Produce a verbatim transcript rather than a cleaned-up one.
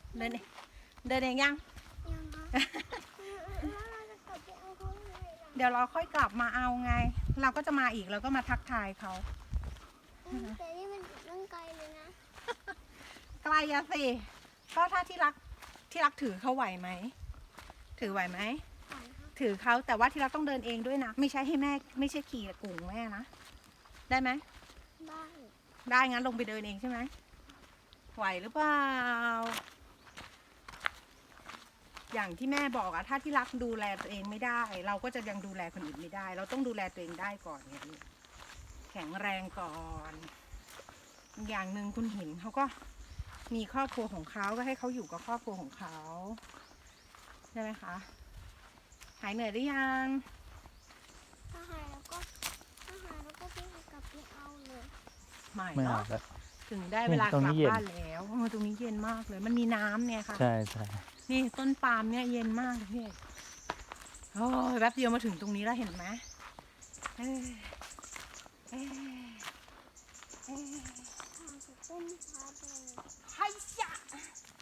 เดินเองเดินเองยังยังคะแล้วเราจะกลับไปเอาเขายังไงล่ะเดี๋ยวเราค่อยกลับมาเอาไง เราก็จะมาอีกเราก็มาทักทายเขาอืมแต่นี่มันตั้งไกลเลยนะไกลอะสิก็ถ้าที่รักที่รักถือเขาไหวไหมถือไหวไหมก่อนค่ะถือเขาแต่ว่าที่รักต้องเดินเองด้วยนะไม่ใช่ให้แม่ไม่ใช่ขี่กุ่งแม่นะได้ไหมบ้านได้งั้นลงไปเดินเองใช่ไหมไหวหรือเปล่าอย่างที่แม่บอกอะถ้าที่รักดูแลตัวเองไม่ได้ เราก็จะยังดูแลคนอื่นไม่ได้ เราต้องดูแลตัวเองได้ก่อนเนี่ยแข็งแรงก่อนอย่างหนึ่งคุณหินเขาก็มีครอบครัวของเขาก็ให้เขาอยู่กับครอบครัวของเขาใช่ไหมคะหายเหนื่อยหรือยังถ้าหายแล้วก็ถ้าหายแล้วก็พี่กลับไปเอาเลยไม่ไม่เอาเนาะแล้วถึงได้เวลากตรงลันี้บเย็นบ้านแล้วเออตรงนี้เย็นมากเลย มันมีน้ำเนี่ยค่ะใช่ใช่นี่ต้นปาล์มเนี่ยเย็นมากเลยพี่เอกโอ้ยแป๊บเดียวมาถึงตรงนี้แล้วเห็นไหมเอ้ยเอ้ยเอ้ยทางจะต้นพาไปไฮยะ